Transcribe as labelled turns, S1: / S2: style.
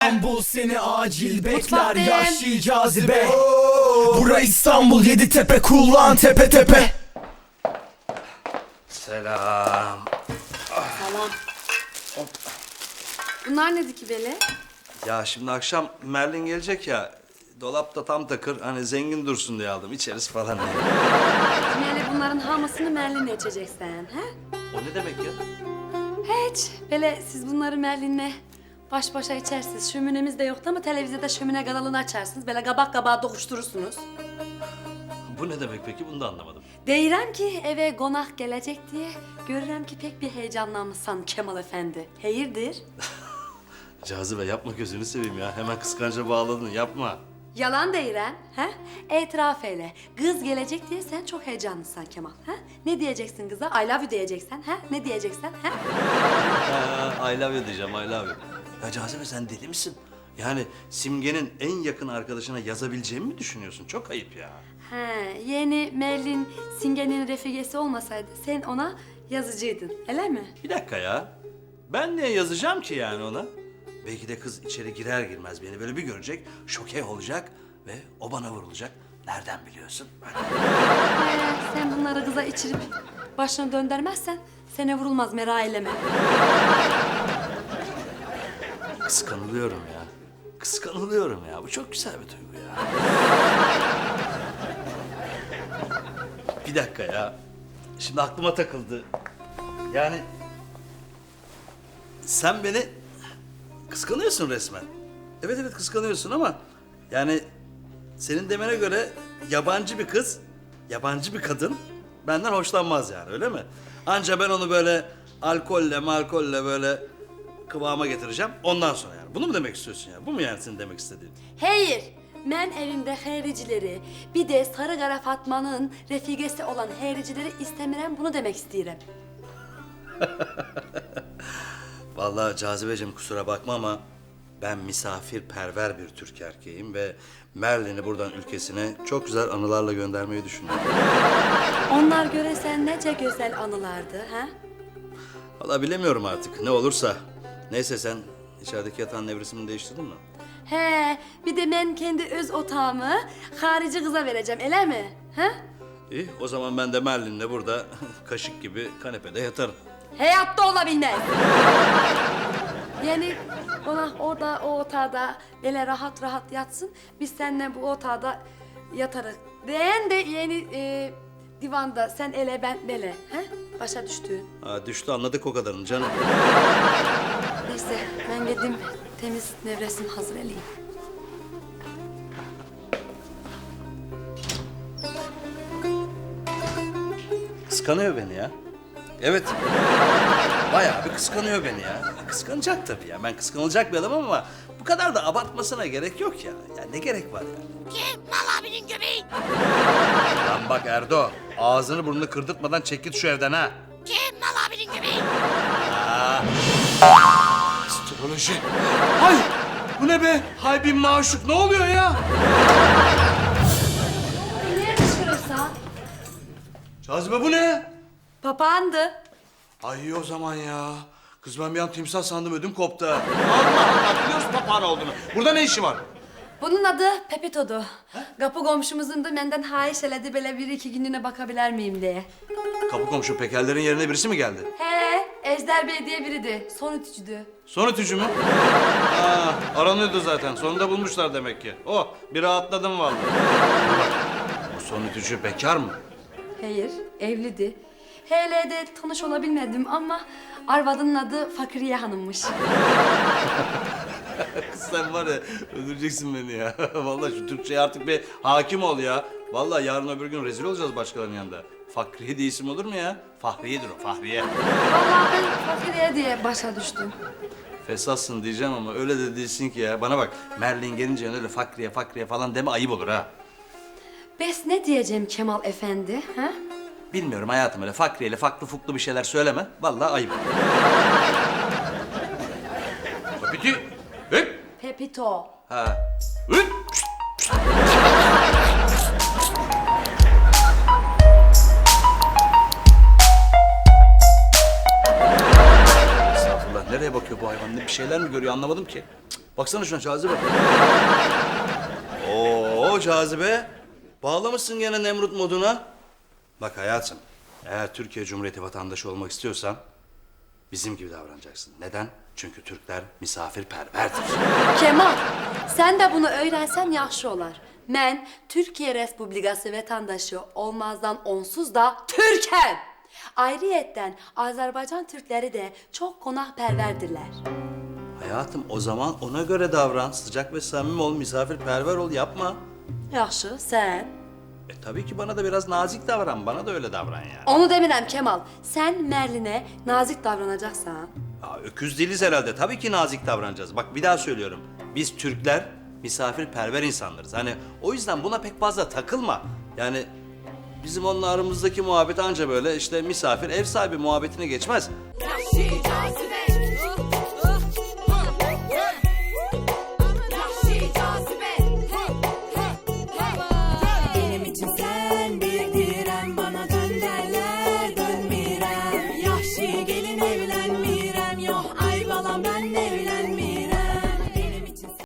S1: İstanbul seni acil bekler,
S2: Mutfaktayım.
S1: yaşlı cazibe. Bura İstanbul, Yeditepe, kullan tepe tepe.
S3: Selam.
S2: Salam. Bunlar nedir ki böyle?
S3: Ya şimdi akşam Merlin gelecek ya. Dolapta tam takır, hani zengin dursun diye aldım. İçeriz falan diye.
S2: Meğer bunların hamasını Merlin'le içeceksin, he?
S3: O ne demek ya?
S2: Hiç. Böyle siz bunları Merlin'le baş başa içersiniz. Şöminemiz de yoktu ama televizyonda şömine kanalını açarsınız. Böyle kabak kabağa dokuşturursunuz.
S3: Bu ne demek peki? Bunu da anlamadım.
S2: Deyirəm ki eve konak gelecek diye görürəm ki pek bir heyecanlanmışsan Kemal Efendi. Hayırdır?
S3: Cazibe yapma, gözünü seveyim ya. Hemen kıskanca bağladın, yapma.
S2: Yalan deyirəm, he? İtiraf eyle. Kız gelecek diye sen çok heyecanlısın Kemal, he? Ne diyeceksin kıza? I love you diyeceksin, he? Ne diyeceksin, he?
S3: I love you diyeceğim, I love you. Ya Cazibe sen deli misin? Yani Simge'nin en yakın arkadaşına yazabileceğimi mi düşünüyorsun? Çok ayıp ya.
S2: He, yeni Merlin Singe'nin refigesi olmasaydı sen ona yazıcıydın, öyle mi?
S3: Bir dakika ya. Ben niye yazacağım ki yani ona? Belki de kız içeri girer girmez beni böyle bir görecek, şoke olacak ve o bana vurulacak. Nereden biliyorsun?
S2: Sen bunları kıza içirip başına döndürmezsen sana vurulmaz, merak eyleme.
S3: Kıskanılıyorum ya. Kıskanılıyorum ya. Bu çok güzel bir duygu ya. Bir dakika ya. Şimdi aklıma takıldı. Yani sen beni kıskanıyorsun resmen. Evet evet kıskanıyorsun ama yani senin demene göre yabancı bir kız, yabancı bir kadın benden hoşlanmaz yani, öyle mi? Anca ben onu böyle alkolle böyle kıvama getireceğim ondan sonra yani. Bunu mu demek istiyorsun ya? Bu mu yani senin demek istediğin?
S2: Hayır, ben evimde hayricileri, bir de Sarı Kara Fatma'nın refigesi olan hayricileri istemirem, bunu demek isterim.
S3: Vallahi Cazibeciğim kusura bakma ama ben misafirperver bir Türk erkeğim ve Merlin'i buradan ülkesine çok güzel anılarla göndermeyi düşünüyorum.
S2: Onlar göresen nece güzel anılardı, ha?
S3: Vallahi bilemiyorum artık ne olursa. Neyse sen içerideki yatağın nevresimini değiştirdin mi?
S2: He, bir de ben kendi öz otağımı harici kıza vereceğim, öyle mi? Ha?
S3: İyi o zaman ben de Merlin'le burada kaşık gibi kanepede yatarım.
S2: Hayatta olabilmez. Yani ona orada o otağda böyle rahat rahat yatsın. Biz seninle bu otağda yatarız. Diyen de yeni divanda sen ele ben bele. He? Başa düştüğün.
S3: Ha, düştü anladık o kadarını canım.
S2: Neyse ben gideyim temiz nevresim hazır eleyim.
S3: Kıskanıyor beni ya. Evet. Bayağı bir kıskanıyor beni ya. Kıskanacak tabii ya. Ben kıskanılacak bir adamım ama bu kadar da abartmasına gerek yok ya. Ya ne gerek var ya?
S4: Kemal abinin göbeği.
S3: Lan bak Erdo, ağzını burnunu kırdırtmadan çek git şu evden ha.
S4: Kemal abinin göbeği.
S1: Astroloji. Hay! Bu ne be? Hay bin maşuk, ne oluyor ya?
S2: Nereye düşürürsen?
S1: Cazibe bu ne?
S2: Papağandı.
S1: Ay iyi o zaman ya. Kız ben bir an timsah sandım, ödüm koptu. Allah Allah, biliyoruz papağan olduğunu. Burada ne işi var?
S2: Bunun adı Pepito'du. Kapı komşumuzun da benden hayiş eledi, böyle bir iki günlüğüne bakabilir miyim diye.
S3: Kapı komşu pekerlerin yerine birisi mi geldi?
S2: He, Ejder Bey diye biriydi. Son ütücüdü.
S3: Son ütücü mü? Aranıyordu zaten. Sonunda bulmuşlar demek ki. Oh, bir rahatladım vallahi. Bak, bu son ütücü bekar mı?
S2: Hayır, evliydi. Hele de tanış olabilmedim ama arvadının adı Fakiriye Hanım'mış.
S3: Kız sen var ya, öldüreceksin beni ya. Vallahi şu Türkçeye artık bir hakim ol ya. Vallahi yarın öbür gün rezil olacağız başkalarının yanında. Fakriye diye isim olur mu ya? Fahriye'dir o, Fahriye.
S2: Vallahi ben Fakiriye diye başa düştüm.
S3: Fesatsın diyeceğim ama öyle de değilsin ki ya. Bana bak, Merlin gelince öyle Fakriye falan deme, ayıp olur ha.
S2: Bes ne diyeceğim Kemal Efendi, ha?
S3: Bilmiyorum hayatım, öyle Fakriye'yle faklı fuklu bir şeyler söyleme. Vallahi ayıp. Peki.
S2: Pepito.
S3: Ha. Estağfurullah, nereye bakıyor bu hayvan? Bir şeyler mi görüyor anlamadım ki. Cık, Baksana şuna Cazibe. Oo Cazibe. Bağlamışsın gene Nemrut moduna. Bak hayatım, eğer Türkiye Cumhuriyeti vatandaşı olmak istiyorsan bizim gibi davranacaksın. Neden? Çünkü Türkler misafirperverdir.
S2: Kemal, sen de bunu öğrensen yaxşı olar. Mən Türkiye Respublikası vatandaşı olmazdan onsuz da Türk'üm. Ayrıyetten Azerbaycan Türkleri de çok konakperverdirler.
S3: Hayatım o zaman ona göre davran. Sıcak ve samimi ol, misafirperver ol, yapma.
S2: Yaxşı, sen?
S3: Tabii ki bana da biraz nazik davran, bana da öyle davran yani.
S2: Onu demirəm Kemal. Sen Merlin'e nazik davranacaksan.
S3: Ya, öküz değiliz herhalde, tabii ki nazik davranacağız. Bak bir daha söylüyorum, biz Türkler misafirperver insanlarız. Hani o yüzden buna pek fazla takılma. Yani bizim onunla aramızdaki muhabbet anca böyle işte misafir ev sahibi muhabbetine geçmez.
S5: Yahşi cazibe